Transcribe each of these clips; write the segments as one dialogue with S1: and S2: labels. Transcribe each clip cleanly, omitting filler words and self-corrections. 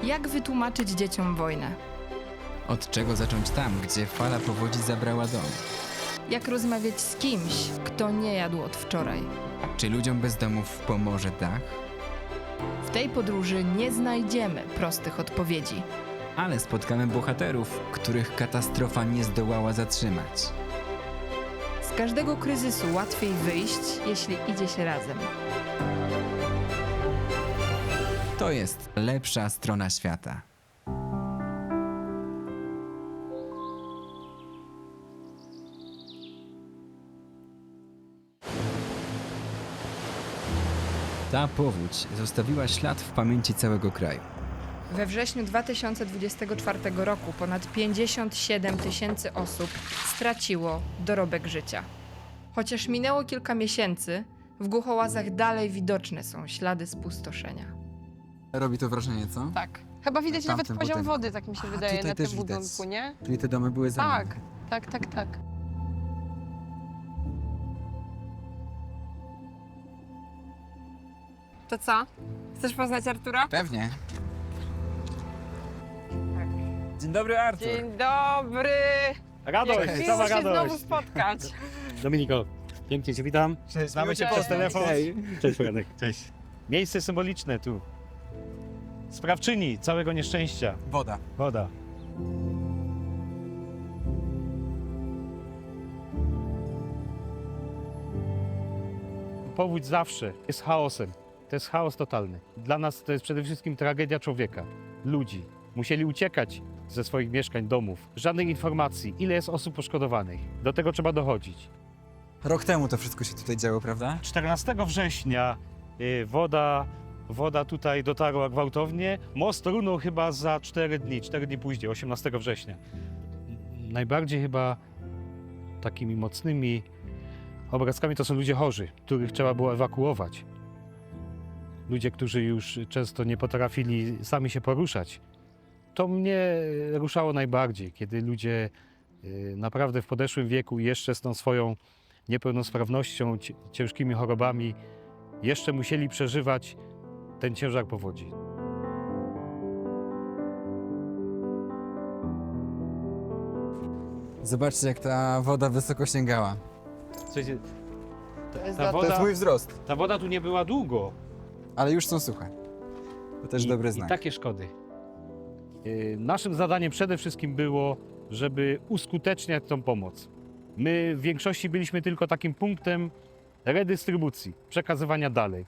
S1: Jak wytłumaczyć dzieciom wojnę?
S2: Od czego zacząć tam, gdzie fala powodzi zabrała dom?
S1: Jak rozmawiać z kimś, kto nie jadł od wczoraj?
S2: Czy ludziom bez domów pomoże dach?
S1: W tej podróży nie znajdziemy prostych odpowiedzi.
S2: Ale spotkamy bohaterów, których katastrofa nie zdołała zatrzymać.
S1: Z każdego kryzysu łatwiej wyjść, jeśli idzie się razem.
S2: To jest lepsza strona świata. Ta powódź zostawiła ślad w pamięci całego kraju.
S1: We wrześniu 2024 roku ponad 57 000 osób straciło dorobek życia. Chociaż minęło kilka miesięcy, w Głuchołazach dalej widoczne są ślady spustoszenia.
S2: Robi to wrażenie, co?
S3: Tak. Chyba widać
S2: Tamten
S3: nawet poziom
S2: budynek.
S3: wody, tak mi się
S2: A,
S3: wydaje,
S2: tutaj
S3: na tym
S2: też widać.
S3: budynku, nie?
S2: Czyli te domy były zalane.
S3: Tak. To co? Chcesz poznać Artura?
S2: Pewnie. Dzień dobry, Artur.
S3: Dzień dobry!
S4: Radość,
S3: Jak
S4: sama
S3: miło się znowu
S4: radość.
S3: spotkać.
S4: Dominiko, pięknie Cię witam.
S2: Cześć,
S4: Znamy się
S3: Cześć.
S4: przez telefon.
S2: Hej.
S4: Cześć, Franek. Cześć. Miejsce symboliczne tu. Sprawczyni całego nieszczęścia.
S2: Woda.
S4: Woda. Powódź zawsze jest chaosem. To jest chaos totalny. Dla nas to jest przede wszystkim tragedia człowieka, ludzi. Musieli uciekać ze swoich mieszkań, domów. Żadnych informacji, ile jest osób poszkodowanych. Do tego trzeba dochodzić.
S2: Rok temu to wszystko się tutaj działo, prawda?
S4: 14 września woda tutaj dotarła gwałtownie. Most runął chyba za 4 dni później, 18 września. Najbardziej chyba takimi mocnymi obrazkami to są ludzie chorzy, których trzeba było ewakuować. Ludzie, którzy już często nie potrafili sami się poruszać. To mnie ruszało najbardziej, kiedy ludzie naprawdę w podeszłym wieku jeszcze z tą swoją niepełnosprawnością, ciężkimi chorobami, jeszcze musieli przeżywać ten ciężar powodzi.
S2: Zobaczcie, jak ta woda wysoko sięgała.
S4: Słuchajcie,
S3: To jest
S4: ta
S2: To jest
S4: woda,
S2: mój wzrost,
S4: ta woda tu nie była długo.
S2: ale już są suche. To też dobry
S4: I
S2: znak.
S4: takie szkody. Naszym zadaniem przede wszystkim było, żeby uskuteczniać tą pomoc. My w większości byliśmy tylko takim punktem redystrybucji, przekazywania dalej.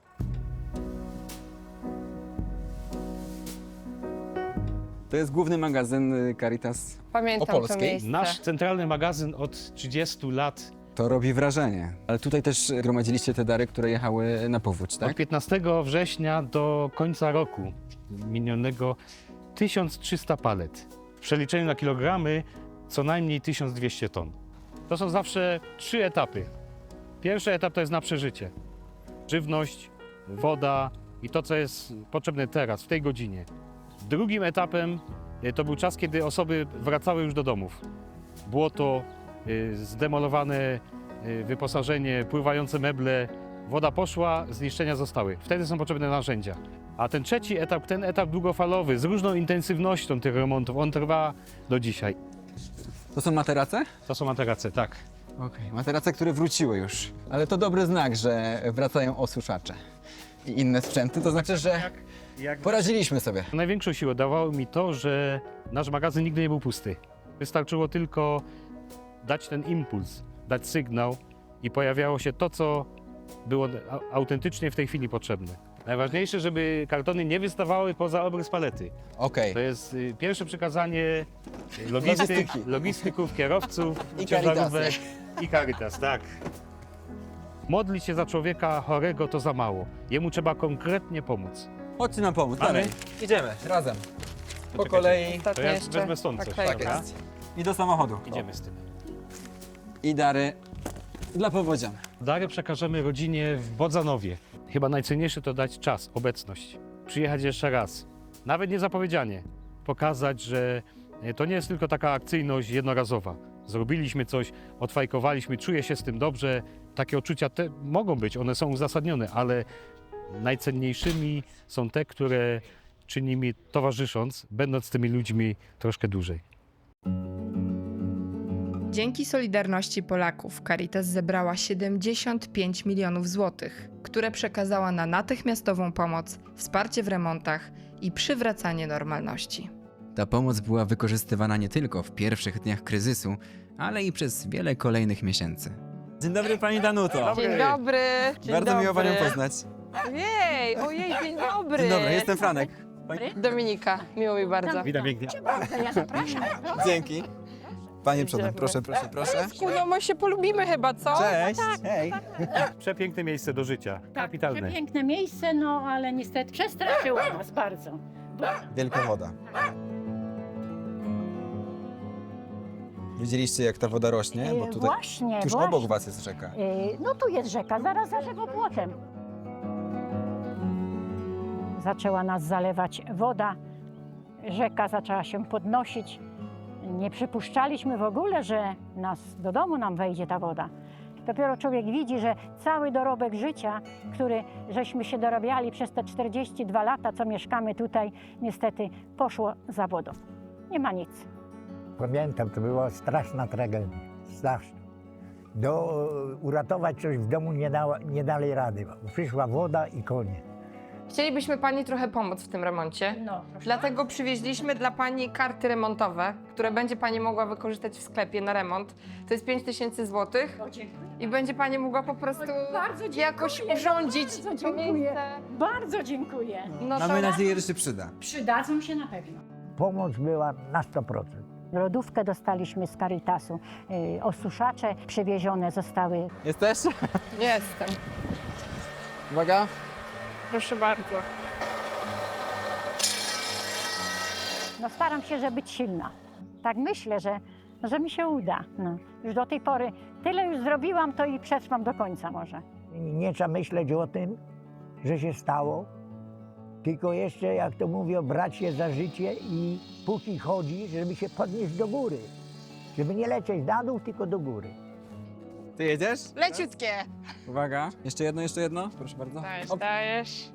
S2: To jest główny magazyn Caritas.
S3: Pamiętam to
S2: Opolskiej.
S3: miejsce.
S4: Nasz centralny magazyn od 30 lat,
S2: To robi wrażenie. Ale tutaj też gromadziliście te dary, które jechały na powódź,
S4: od
S2: tak?
S4: 15 września do końca roku minionego 1300 palet. W przeliczeniu na kilogramy co najmniej 1200 ton. To są zawsze 3 etapy. Pierwszy etap to jest na przeżycie. Żywność, woda i to, co jest potrzebne teraz, w tej godzinie. Drugim etapem to był czas, kiedy osoby wracały już do domów. Błoto, zdemolowane wyposażenie, pływające meble, woda poszła, zniszczenia zostały. Wtedy są potrzebne narzędzia. A ten trzeci etap, ten etap długofalowy, z różną intensywnością tych remontów, on trwa do dzisiaj.
S2: To są materace?
S4: To są materace, tak.
S2: Okej, materace, które wróciły już. Ale to dobry znak, że wracają osuszacze i inne sprzęty. To znaczy, że poradziliśmy sobie.
S4: Największą siłę dawało mi to, że nasz magazyn nigdy nie był pusty. Wystarczyło tylko dać ten impuls, dać sygnał i pojawiało się to, co było autentycznie w tej chwili potrzebne. Najważniejsze, żeby kartony nie wystawały poza obrys palety.
S2: Okej.
S4: To jest pierwsze przekazanie
S2: Logistyki.
S4: logistyków, kierowców,
S2: I
S4: ciężarówek i Caritas, tak. Modlić się za człowieka chorego to za mało. Jemu trzeba konkretnie pomóc.
S2: Chodźcie nam pomóc.
S4: Mamy?
S2: Dalej. Idziemy, razem. Po
S4: czekajcie.
S2: kolei.
S4: To
S3: Ostatnio
S4: ja
S3: jeszcze.
S4: wezmę stąd coś,
S3: Tak
S4: dobra?
S3: jest.
S2: I do samochodu.
S4: Idziemy z tym.
S2: I dary dla powodzian.
S4: Dary przekażemy rodzinie w Bodzanowie. Chyba najcenniejsze to dać czas, obecność. Przyjechać jeszcze raz. Nawet niezapowiedzianie. Pokazać, że to nie jest tylko taka akcyjność jednorazowa. Zrobiliśmy coś, odfajkowaliśmy, czuję się z tym dobrze. Takie odczucia te mogą być, one są uzasadnione, ale najcenniejszymi są te, które czy nimi towarzysząc, będąc z tymi ludźmi troszkę dłużej.
S1: Dzięki solidarności Polaków Caritas zebrała 75 milionów złotych, które przekazała na natychmiastową pomoc, wsparcie w remontach i przywracanie normalności.
S2: Ta pomoc była wykorzystywana nie tylko w pierwszych dniach kryzysu, ale i przez wiele kolejnych miesięcy. Dzień dobry pani Danuto.
S3: Dzień dobry. Dzień
S2: Bardzo
S3: dobry.
S2: miło panią poznać.
S3: Ojej, dzień dobry.
S2: Dzień dobry, jestem Franek.
S3: Dominika, miło mi bardzo.
S4: Witam pięknie.
S5: Ja zapraszam.
S2: Dzięki. Panie przodem,
S3: Idziemy.
S2: proszę, proszę, proszę.
S3: No my się polubimy chyba, co?
S2: Cześć, hej.
S4: Przepiękne miejsce do życia. Kapitalne.
S5: Przepiękne miejsce, no ale niestety przestraszyło nas bardzo.
S2: Wielka woda. Widzieliście, jak ta woda rośnie? Bo tutaj
S5: Właśnie,
S2: tuż
S5: właśnie.
S2: obok was jest rzeka.
S5: No tu jest rzeka, zaraz za rzekopłotem. Zaczęła nas zalewać woda, rzeka zaczęła się podnosić. Nie przypuszczaliśmy w ogóle, że do domu nam wejdzie ta woda. Dopiero człowiek widzi, że cały dorobek życia, który żeśmy się dorabiali przez te 42 lata, co mieszkamy tutaj, niestety poszło za wodą. Nie ma nic.
S6: Pamiętam, to była straszna tragedia, straszna. Uratować coś w domu nie dali rady. Przyszła woda i koniec.
S3: Chcielibyśmy pani trochę pomóc w tym remoncie.
S5: No, proszę.
S3: Dlatego przywieźliśmy dla pani karty remontowe, które będzie pani mogła wykorzystać w sklepie na remont. To jest 5000 zł i będzie pani mogła po prostu
S5: Bardzo dziękuję,
S3: jakoś urządzić
S5: bardzo
S3: to
S5: dziękuję.
S3: miejsce.
S5: Bardzo dziękuję.
S3: No
S2: Mamy nadzieję, że się przyda.
S5: Przydadzą się na pewno.
S6: Pomoc była na 100%.
S5: Lodówkę dostaliśmy z Caritasu, osuszacze przywiezione zostały.
S2: Jesteś?
S3: Jestem.
S2: Uwaga.
S3: Proszę bardzo.
S5: No staram się, żeby być silna. Tak myślę, że mi się uda. No. Już do tej pory tyle już zrobiłam, to i przetrwam do końca może.
S6: Nie trzeba myśleć o tym, że się stało, tylko jeszcze, jak to mówią, brać się za życie i póki chodzi, żeby się podnieść do góry. Żeby nie lecieć na dół, tylko do góry.
S2: Ty jedziesz?
S3: Leciutkie.
S2: Uwaga. Jeszcze jedno. Proszę bardzo.
S3: Dajesz,
S2: Op.
S3: dajesz.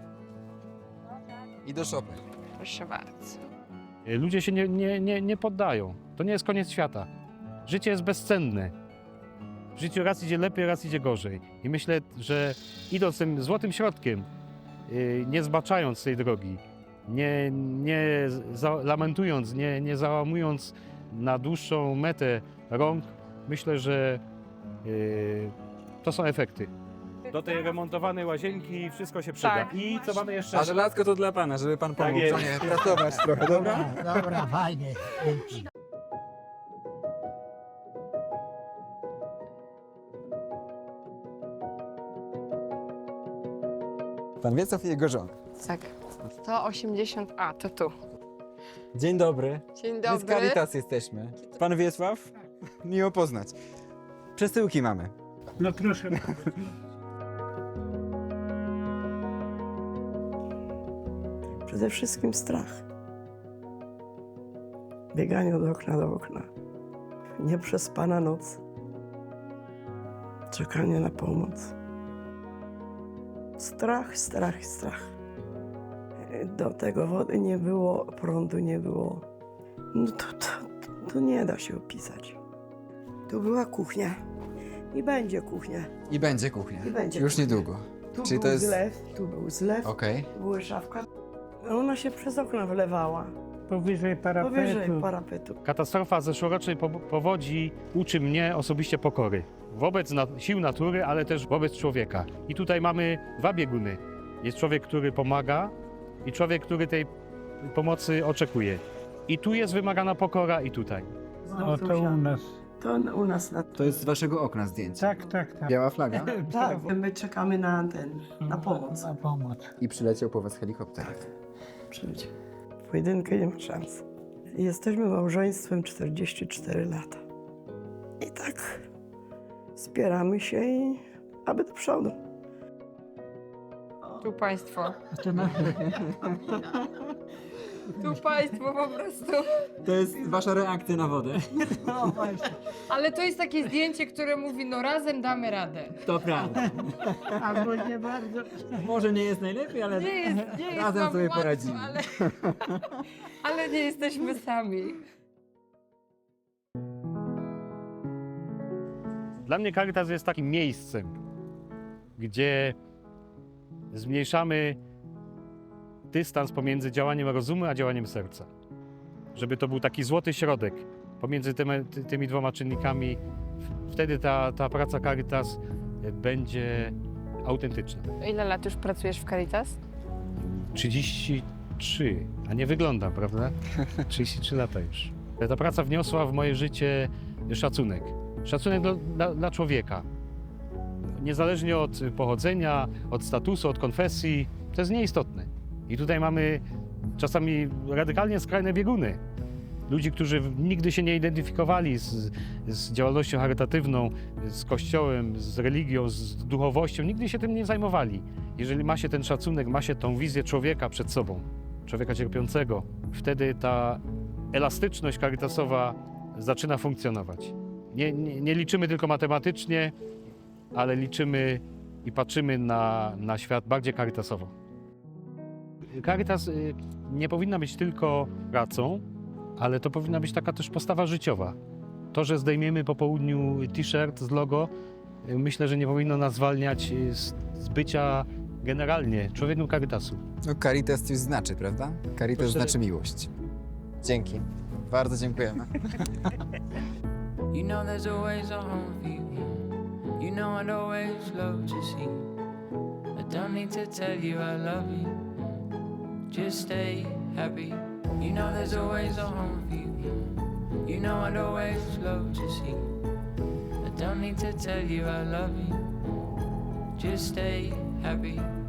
S2: I do szopy.
S3: Proszę bardzo.
S4: Ludzie się nie poddają. To nie jest koniec świata. Życie jest bezcenne. W życiu raz idzie lepiej, raz idzie gorzej. I myślę, że idąc tym złotym środkiem, nie zbaczając tej drogi, nie lamentując, nie załamując na dłuższą metę rąk, myślę, że to są efekty. Do tej remontowanej łazienki wszystko się przyda.
S3: Tak.
S4: I co mamy jeszcze?
S2: A żelazko to dla pana, żeby pan pomógł
S4: jest.
S2: żonie pracować trochę, dobra?
S6: Dobra, fajnie.
S2: Pan Wiecław i jego żona.
S3: Tak. 180A, to tu.
S2: Dzień dobry.
S3: Dzień
S2: My z
S3: dobry.
S2: Caritas jesteśmy. Pan Wiesław? Miło poznać. Przesyłki mamy.
S7: No proszę.
S8: Przede wszystkim strach. Bieganie od okna do okna. Nieprzespana noc. Czekanie na pomoc. Strach, strach, strach. Do tego wody nie było, prądu nie było. No to nie da się opisać. Tu była kuchnia. I będzie kuchnia.
S2: I będzie kuchnia.
S8: I będzie
S2: Już
S8: kuchnia.
S2: niedługo.
S8: Tu
S2: Czyli
S8: był
S2: to jest...
S8: zlew, tu był zlew,
S2: Okej.
S8: była szafka. Ona się przez okno wlewała.
S7: Powyżej parapetu.
S8: Powyżej parapetu.
S4: Katastrofa zeszłorocznej powodzi uczy mnie osobiście pokory. Wobec sił natury, ale też wobec człowieka. I tutaj mamy dwa bieguny. Jest człowiek, który pomaga i człowiek, który tej pomocy oczekuje. I tu jest wymagana pokora i tutaj.
S7: No to u nas.
S8: To u nas na...
S2: To jest z waszego okna zdjęcie.
S7: Tak, tak, tak.
S2: Biała flaga.
S8: Tak, my czekamy na pomoc.
S7: Na pomoc.
S2: I przyleciał po was helikopter.
S8: Przyjdzie. W pojedynkę nie ma szans. Jesteśmy małżeństwem 44 lata. I tak spieramy się i aby do przodu.
S3: Tu państwo.
S7: To na...
S3: Tu państwo po prostu.
S2: To jest wasza reakcja na wodę.
S3: Ale to jest takie zdjęcie, które mówi, no razem damy radę.
S2: To prawda.
S7: Albo nie bardzo.
S2: Może nie jest najlepiej, ale
S3: Nie jest
S2: razem
S3: nam
S2: sobie
S3: łatwo,
S2: poradzimy.
S3: ale nie jesteśmy sami.
S4: Dla mnie Caritas jest takim miejscem, gdzie zmniejszamy dystans pomiędzy działaniem rozumu a działaniem serca. Żeby to był taki złoty środek pomiędzy tymi dwoma czynnikami. Wtedy ta praca Caritas będzie autentyczna.
S3: Ile lat już pracujesz w Caritas?
S4: 33, a nie wyglądam, prawda? 33 lata już. Ta praca wniosła w moje życie szacunek. Szacunek dla człowieka. Niezależnie od pochodzenia, od statusu, od konfesji, to jest nieistotne. I tutaj mamy czasami radykalnie skrajne bieguny. Ludzi, którzy nigdy się nie identyfikowali z działalnością charytatywną, z kościołem, z religią, z duchowością, nigdy się tym nie zajmowali. Jeżeli ma się ten szacunek, ma się tą wizję człowieka przed sobą, człowieka cierpiącego, wtedy ta elastyczność caritasowa zaczyna funkcjonować. Nie liczymy tylko matematycznie, ale liczymy i patrzymy na świat bardziej caritasowo. Caritas nie powinna być tylko pracą, ale to powinna być taka też postawa życiowa. To, że zdejmiemy po południu t-shirt z logo, myślę, że nie powinno nas zwalniać z bycia generalnie człowiekiem Caritasu.
S2: No Caritas coś znaczy, prawda? Caritas
S4: Proszę.
S2: znaczy miłość. Dzięki. Bardzo dziękujemy.
S9: You know there's always a home for you. You know I'd always love to see you. I don't need to tell you I love you. Just stay happy. You know there's always a home for you. You know I'd always love to see you. I don't need to tell you I love you. Just stay happy.